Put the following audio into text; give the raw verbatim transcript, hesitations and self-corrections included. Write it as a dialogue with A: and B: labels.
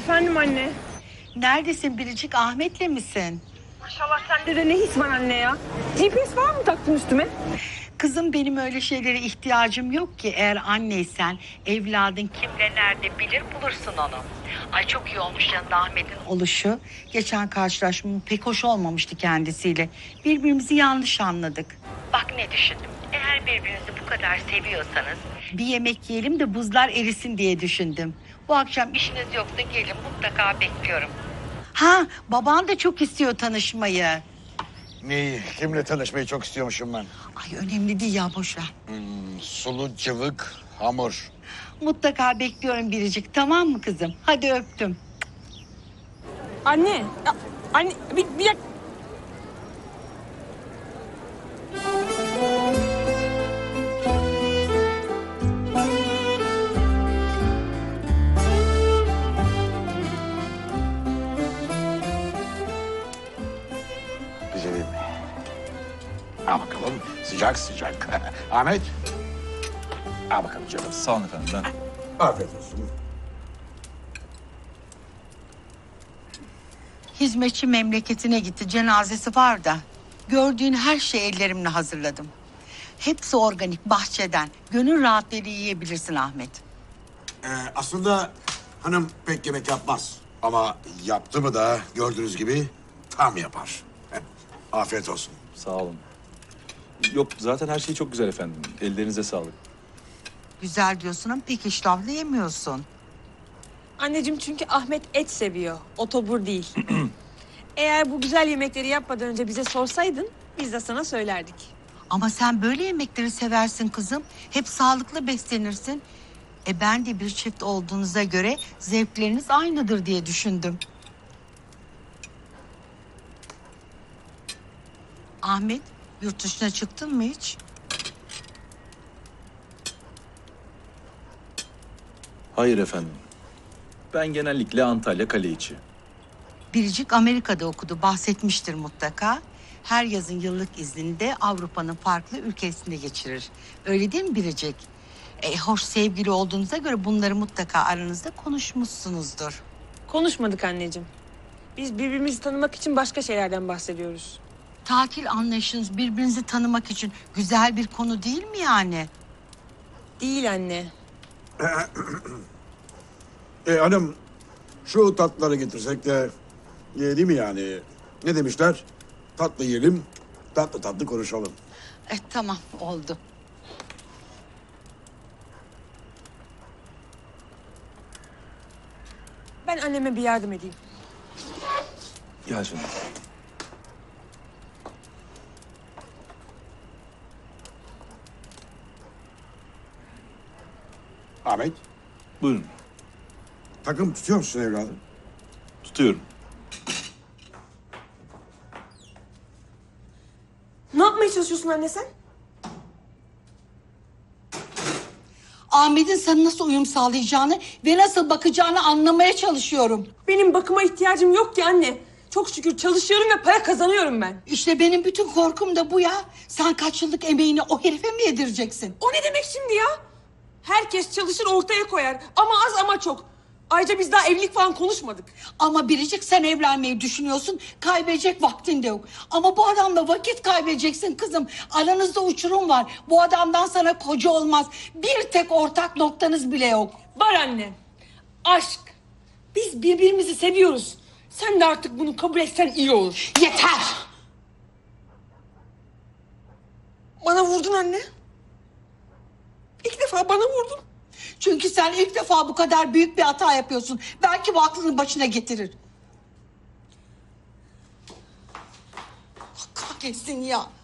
A: Efendim anne.
B: Neredesin Biricik? Ahmet'le misin?
A: Maşallah sende de ne his var anne ya? G P S var mı taktın üstüme?
B: Kızım benim öyle şeylere ihtiyacım yok ki. Eğer anneysen evladın kimde nerede bilir bulursun onu. Ay çok iyi olmuş yanında Ahmet'in oluşu. Geçen karşılaşmam pek hoş olmamıştı kendisiyle. Birbirimizi yanlış anladık. Bak ne düşündüm. Eğer birbirinizi bu kadar seviyorsanız bir yemek yiyelim de buzlar erisin diye düşündüm. Bu akşam işiniz yoksa gelin, mutlaka bekliyorum. Ha, baban da çok istiyor tanışmayı.
C: Neyi? Kimle tanışmayı çok istiyormuşum ben?
B: Ay önemli değil ya, boş ver.
C: Hmm, sulu cıvık hamur.
B: Mutlaka bekliyorum Biricik, tamam mı kızım? Hadi öptüm.
A: Anne. Ya, anne bir, bir dak-
C: Güzelim. Al bakalım. Sıcak sıcak. Ahmet. Al bakalım canım.
D: Sağ olun efendim. Ben...
C: Afiyet olsun.
B: Hizmetçi memleketine gitti, cenazesi var da. Gördüğün her şeyi ellerimle hazırladım. Hepsi organik, bahçeden. Gönül rahatlığıyla yiyebilirsin Ahmet.
C: Ee, aslında hanım pek yemek yapmaz. Ama yaptı mı da gördüğünüz gibi tam yapar. Afiyet olsun.
D: Sağ olun. Yok zaten her şey çok güzel efendim. Ellerinize sağlık.
B: Güzel diyorsun ama pek iştahlı yemiyorsun.
A: Anneciğim çünkü Ahmet et seviyor. Otobur değil. Eğer bu güzel yemekleri yapmadan önce bize sorsaydın biz de sana söylerdik.
B: Ama sen böyle yemekleri seversin kızım. Hep sağlıklı beslenirsin. E ben de bir çift olduğunuza göre zevkleriniz aynıdır diye düşündüm. Ahmet, yurt dışına çıktın mı hiç?
D: Hayır efendim. Ben genellikle Antalya kale içi.
B: Biricik Amerika'da okudu, bahsetmiştir mutlaka. Her yazın yıllık iznini de Avrupa'nın farklı ülkesinde geçirir. Öyle değil mi Biricik? E, hoş sevgili olduğunuza göre bunları mutlaka aranızda konuşmuşsunuzdur.
A: Konuşmadık anneciğim. Biz birbirimizi tanımak için başka şeylerden bahsediyoruz.
B: Tatil anlayışınız birbirinizi tanımak için güzel bir konu değil mi yani?
A: Değil anne.
C: Ee, hanım şu tatlıları getirsek de e, değil mi yani? Ne demişler? Tatlı yiyelim, tatlı tatlı konuşalım.
B: E, tamam, oldu.
A: Ben anneme bir yardım edeyim.
D: Gel canım.
C: Ahmet,
D: Buyurun.
C: takım tutuyor musun evladım?
D: Tutuyorum.
A: Ne yapmaya çalışıyorsun anne sen?
B: Ahmet'in sana nasıl uyum sağlayacağını ve nasıl bakacağını anlamaya çalışıyorum.
A: Benim bakıma ihtiyacım yok ki anne. Çok şükür çalışıyorum ve para kazanıyorum ben.
B: İşte benim bütün korkum da bu ya. Sen kaç yıllık emeğini o herife mi yedireceksin?
A: O ne demek şimdi ya? Herkes çalışır ortaya koyar. Ama az ama çok. Ayrıca biz daha evlilik falan konuşmadık.
B: Ama Biricik, sen evlenmeyi düşünüyorsun. Kaybedecek vaktin de yok. Ama bu adamla vakit kaybedeceksin kızım. Aranızda uçurum var. Bu adamdan sana koca olmaz. Bir tek ortak noktanız bile yok.
A: Var anne. Aşk. Biz birbirimizi seviyoruz. Sen de artık bunu kabul etsen iyi olur.
B: Yeter!
A: Bana vurdun anne. İlk defa bana vurdun.
B: Çünkü sen ilk defa bu kadar büyük bir hata yapıyorsun. Belki bu aklını başına getirir. Kahretsin ya.